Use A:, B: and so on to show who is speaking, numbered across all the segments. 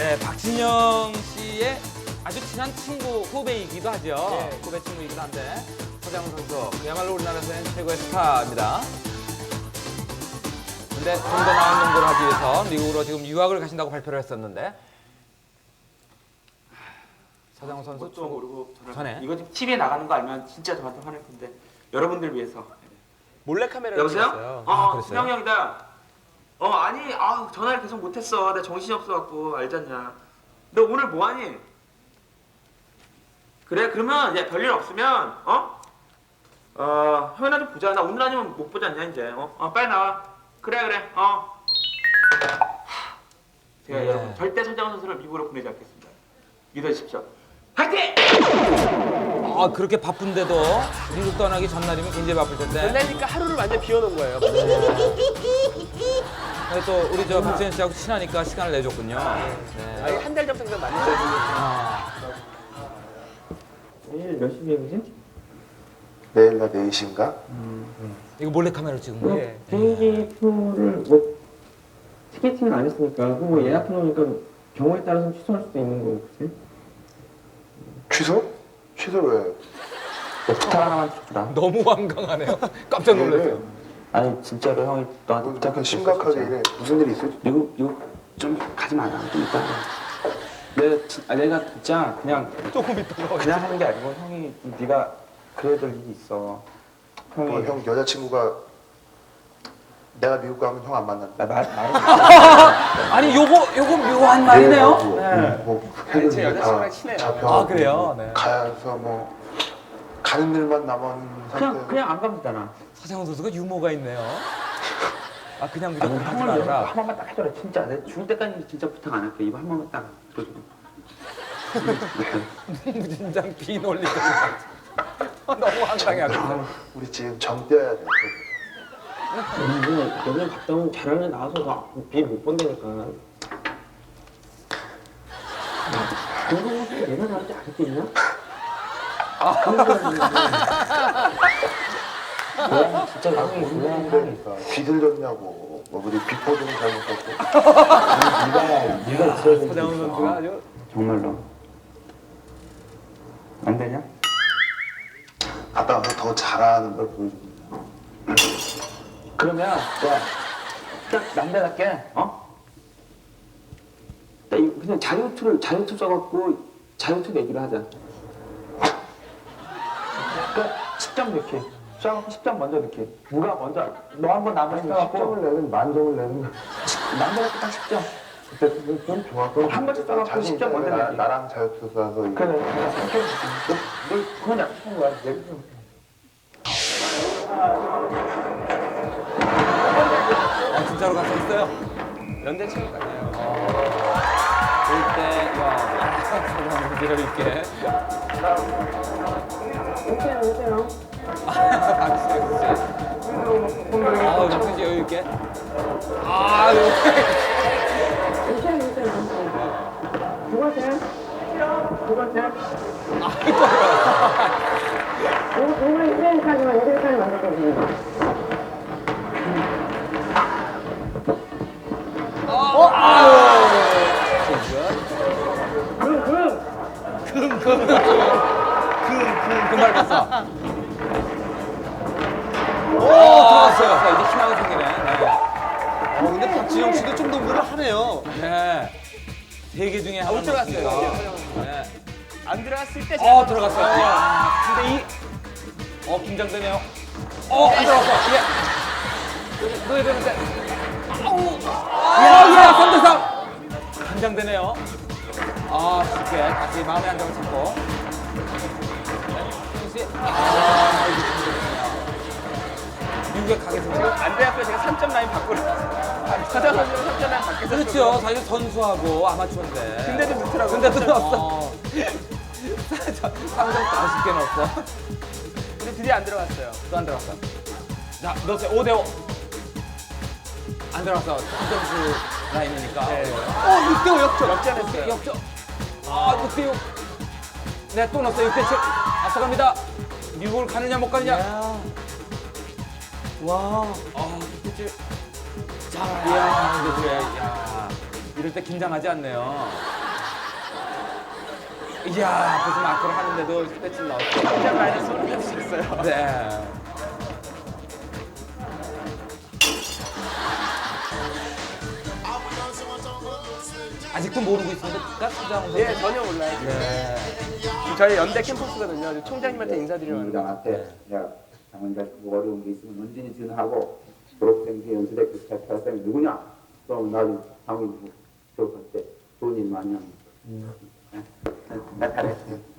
A: 네, 박진영 씨의 아주 친한 친구, 후배이기도 하죠.
B: 네.
A: 후배 친구이기도 한데 서장훈 선수, 그야말로 우리나라에서는 최고의 스타입니다. 근데 좀 더 나은 농구를 하기 위해서 미국으로 지금 유학을 가신다고 발표를 했었는데 서장훈 선수
B: 좀 모르고
A: 전에
B: 이거 지금 TV에 나가는 거 알면 진짜 저한테 화낼 건데 여러분들 위해서.
C: 몰래카메라를
B: 여보세요?
C: 찍었어요.
A: 그랬어요?
B: 수영 형이다. 아니, 전화를 계속 못했어. 내 정신이 없어갖고 알잖냐. 너 오늘 뭐하니? 그래, 그러면 야 별일 없으면 형이나 좀 보자. 나 오늘 아니면 못 보지 않냐 이제. 빨리 나와. 그래. 제가
A: 네.
B: 여러분 절대 서장훈 선수를 미국으로 보내지 않겠습니다. 믿어주십시오. 화이팅!
A: 그렇게 바쁜데도 미국 떠나기 전날이면 굉장히 바쁠 텐데
C: 전날이니까 하루를 완전 비워놓은 거예요.
A: 근데 또 우리 저 박진영 씨하고 친하니까 시간을 내줬군요. 네.
C: 아니 한 달 전부터 만났어요.
B: 내일 몇 시 비행기지?
D: 내일 나 4시인가?
A: 이거 몰래카메라로 찍은 거예요?
C: 예.
B: 비행기 표를 뭐 티켓팅을 안 했으니까 뭐 예약해 놓으니까 경우에 따라서 취소할 수도 있는 거고, 그치?
D: 취소? 취소를 왜?
B: 부탁 하나만 해주라.
A: 너무 완강하네요. 깜짝 놀랐어요.
B: 아니 진짜로 형이 너한테
D: 뭐 이렇게 심각하게 이래. 무슨 일이 있어?
B: 미국 좀 가지 마라. 좀 이따. 내가 진짜 그냥
C: 조금 있다가
B: 그냥 하는 게 아니고 형이 네가 그래야 될 일이 있어. 형이
D: 형 여자친구가 내가 미국 가면 형 안 만난다.
B: 말을
A: 아니 요거 묘한 말이네요.
D: 뭐
C: 아니, 제
D: 회사를
C: 여자친구랑
D: 다
C: 친해요.
D: 잡혀가고
A: 그래요? 네.
D: 가서 뭐 가는 일만 남은 상태.
B: 그냥 안 가면 되잖아.
A: 서장훈 선수가 유머가 있네요. 그냥
B: 아니,
A: 무조건 하지
B: 형을 위해서
A: 말아라.
B: 한 번만 딱 해줘라. 진짜 내 죽을 때까지 진짜 부탁 안 할게. 이거 한 번만 딱 들어줘.
A: 무진장 비논리가 너무 황당해 아주.
D: 우리 지금 정 떼어야 돼.
B: 이제 여기 갔다 오면 잘하는 애 나와서 비못 본다니까. 공동호수 내가 나한테 안 했겠냐? 진짜 형이 중요한
D: 그러니까 비 들렸냐고. 뭐 우리 빗보증 잘못했고.
B: 네가 있어야 되는
A: 서장훈 선수가 아주
B: 정말로 안 되냐?
D: 갔다 와서 더 잘하는 걸 보여줍니다.
B: 그러면 딱 남자답게 딱 그냥 자유투 써갖고 자유투 내기를 하자. 그러니까 10점 넣기. 쏴갖고 10점 먼저 넣기. 누가 먼저 너 한 번 나머지
D: 10점을 내는 만점을 내는
B: 남자답게 딱 10점.
D: 그때 좀 좋아. 그럼
B: 한 번씩 써갖고
D: 자신
B: 10점 먼저
D: 있잖아.
B: 내기.
D: 나랑 자유투 쏴서 이거.
B: 그래. 너 그건 약속한 거야.
A: 진짜로 갔었어요.
C: 연대 체육 같아요.
A: 볼때 서장훈 선수 여유 있게. 박진영 씨. 박진영 씨 여유 있게. 이렇게.
E: 정말 휴대카지만 휴대카지 만들거든요.
A: 금발 봤어. 들어갔어요. 자, 이제 희망이 생기네. 네.
C: 근데 박진영 씨도 좀 농구를 하네요.
A: 네. 세 개 중에 하나.
C: 못 들어갔어요.
A: 네.
C: 안 들어갔을 때
A: 들어갔어요. 근데 긴장되네요. 안 들어갔어. 넣어야 되는데. 야, 3대3. 긴장되네요. 쉽게 다시 마음의 안정을 찾고. 네. 미국에 가겠습니다.
C: 안 돼갖고 제가 3점 라인 밖으로 서장훈 선수는 3점 라인 밖에서
A: 그렇죠. 사실 선수하고 아마추어인데.
C: 근데도 넣더라고요.
A: 근데도 넣었어. 3점 더 쉽게 넣었어.
C: 근데 드디어 안 들어갔어요.
A: 또 안 들어갔어. 자, 넣었어요. 5대5. 안 들어갔어. 3점수 라인이니까.
C: 네.
A: 6대5 역전.
C: 역전했어요.
A: 역전. 6대6. 네, 또 넣었어요. 6대7. 앞서갑니다. 미국을 가느냐, 못 가느냐.
C: 와.
A: 6대7. 자, 이야, 6대7. 야. 이럴 때 긴장하지 않네요. 이야, 무슨 마크를 하는데도 스트레칭 나왔어요.
C: 긴장 많이 소리 낼수 있어요.
A: 네. 아직도 모르고 있습니까? 수장 선수?
C: 예, 전혀 몰라요.
A: 네.
C: 저희 연대 캠퍼스거든요. 총장님한테 인사드리러 왔는데.
F: 장한테 야 장원장 뭐 어려운 게 있으면 언제든지 전화하고 졸업생들 연수대 그 학생이 누구냐 또 나중에 장원이 졸업할 때 좋은 일 많이 합니다. 나 잘해.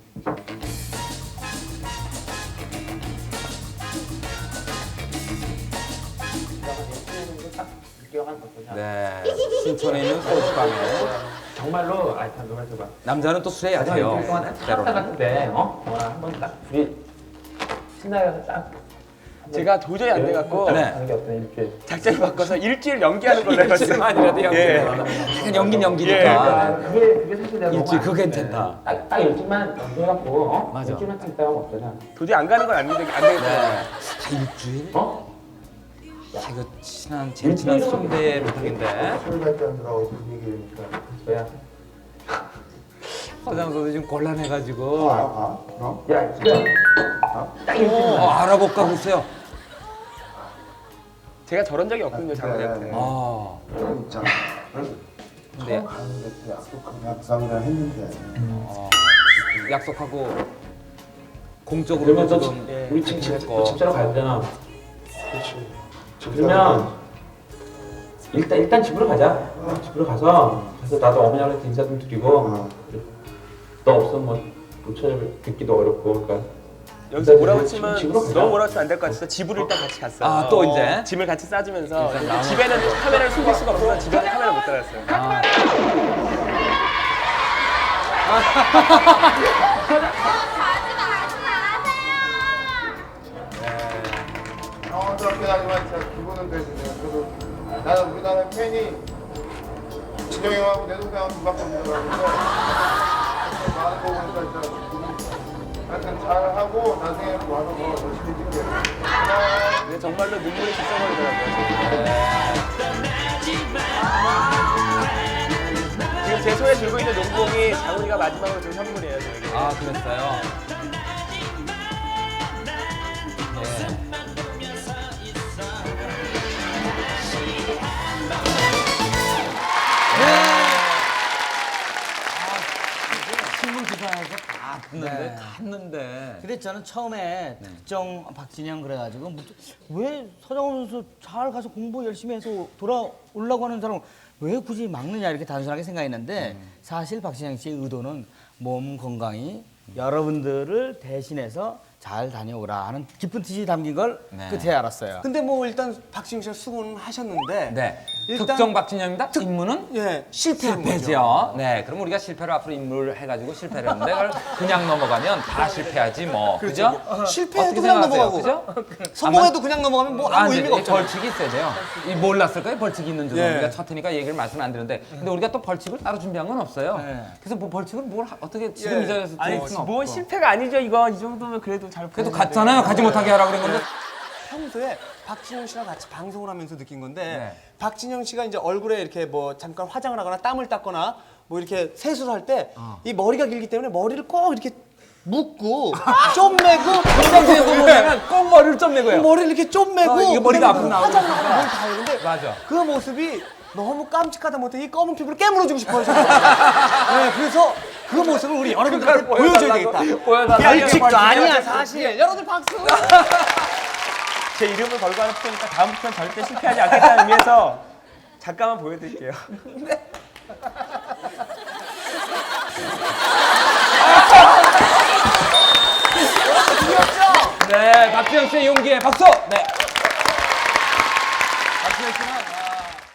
A: 네. 신촌에 있는 소주방에
B: 정말로 아니 잠깐만 봐.
A: 남자는 또 술에 약해요.
B: 차
A: 때로는.
B: 같은데 한번 딱 둘이 신나게 가서 딱
C: 제가 도저히 안 돼갖고
A: 네.
B: 하는 게 어떤 일주일.
C: 작전을 바꿔서 일주일 연기하는 걸로 해봤어요.
A: 일주일만이라도 연기.
C: 예.
A: 하긴 연긴 연기니까.
B: 그게 사실 내가
A: 일주일
B: 너무
A: 그거
B: 안
A: 괜찮다.
B: 딱 일주일만 연기해갖고
A: 맞아.
B: 일주일만 딱 있다가 없잖아.
C: 도저히 안 가는 건 안 되겠다.
A: 네. 일주일?
B: 어?
A: 야, 이거 제일 친한 선배 부탁인데.
D: 술 한잔 들어가고 그 얘기니까.
B: 뭐야?
A: 서장 선수 지금 곤란해가지고.
D: 그럼?
B: 야, 지금 딱 일주일만.
A: 알아볼까 보세요.
C: 제가 저런 적이 없거든요, 장원한테.
A: 아.
D: 있잖아.
A: 근데
D: 가는데 그 약속한 약속이라 했는데.
A: 약속하고 공적으로
B: 그러면 또
A: 지금
C: 예.
B: 우리 집
A: 했고.
B: 집사로 가야 되잖아.
D: 그렇지.
B: 그러면 일단 집으로 가자. 집으로 가서 나도 어머니한테 인사 좀 드리고 너 없으면 못 찾아뵙기도 어렵고 그러니까
C: 여기서 뭐라고 치면
B: 집으로 가자.
C: 너무 뭐라고 치면 안 될 것 같아서 집으로 일단 같이 갔어요.
A: 아, 또 이제?
C: 짐을 같이 싸주면서
A: 일단 나눠.
C: 집에는 카메라를 숨길 수가 없어서 집에는 카메라 못 달았어요.
A: 아,
D: 저렇게 하지만 진짜 기분은 되시네요. 저도 나는 우리나라 팬이 진영이 형하고 내 동생하고 누밖에 없는 줄 알았는데 많은 거 보니까 진짜 하여튼 잘하고 나중에 와서 더 열심히 찍게요.
C: 근데 정말로 눈물이 진짜 지금 제 손에 들고 있는 농봉이 장훈이가 마지막으로 준 선물이에요, 저에게.
A: 아, 그랬어요. 네. 신문 기사에서 다 듣는데, 갔는데.
G: 근데 저는 처음에 특정 박진영 그래가지고 왜 서장훈 선수 잘 가서 공부 열심히 해서 돌아오려고 하는 사람 왜 굳이 막느냐 이렇게 단순하게 생각했는데 사실 박진영 씨의 의도는 몸 건강히 여러분들을 대신해서 잘 다녀오라 하는 깊은 뜻이 담긴 걸
A: 네.
G: 끝에 알았어요.
H: 근데 뭐 일단 박진영 씨가 수고는 하셨는데
A: 네.
H: 일단-
A: 특정 박진영입니다. 임무는
H: 예 실패한 거죠.
A: 실패죠. 네, 그럼 우리가 실패를 앞으로 임무를 해가지고 실패를 했는데 그걸 그냥 넘어가면 다 실패하지 뭐, 그죠?
H: 실패해도
A: 어떻게
H: 그냥
A: 생각하세요?
H: 넘어가고
A: 그죠?
H: 성공해도 그냥 넘어가면 뭐 아무
A: 이제
H: 의미가 없잖아요.
A: 벌칙이 있어야 돼요. 이 몰랐을 거예요, 벌칙이 있는 줄.
H: 예.
A: 우리가 첫 테니까 얘기를 말씀 안 드렸는데, 근데 우리가 또 벌칙을 따로 준비한 건 없어요. 그래서 뭐 벌칙을 어떻게 지금 이 자리에서
C: 아니,
A: 드릴 수는
C: 뭐
A: 없고.
C: 실패가 아니죠, 이거. 이 정도면 그래도 잘
A: 그래도
C: 보였는데.
A: 갔잖아요. 가지 못하게 하라고 그런 건데.
H: 평소에 박진영 씨랑 같이 방송을 하면서 느낀 건데
A: 네.
H: 박진영 씨가 이제 얼굴에 이렇게 뭐 잠깐 화장을 하거나 땀을 닦거나 뭐 이렇게 세수를 할 때 이 머리가 길기 때문에 머리를 꼭 이렇게 묶고 좀 매고
A: 평상시에 보면 꼭 머리를 좀 내고 해요.
H: 머리를 이렇게 좀 매고
A: 이게 머리가 앞으로
H: 그다음에 화장을
A: 나오고
H: 하고 다 해는데
A: 맞아.
H: 그 모습이 너무 깜찍하다 못해 이 검은 피부를 깨물어주고 싶어요. 저는. 네, 그래서 그 모습을 우리 여러분들한테 보여줘야 되겠다.
A: 보여달라고.
H: 벌칙도 아니야 사실. 여러분들 박수.
C: 제 이름을 걸고 하는 프로니까 다음부터는 절대 실패하지 않겠다는 의미에서 잠깐만 보여드릴게요.
A: 네, 박지영 씨의 용기에 박수! 네.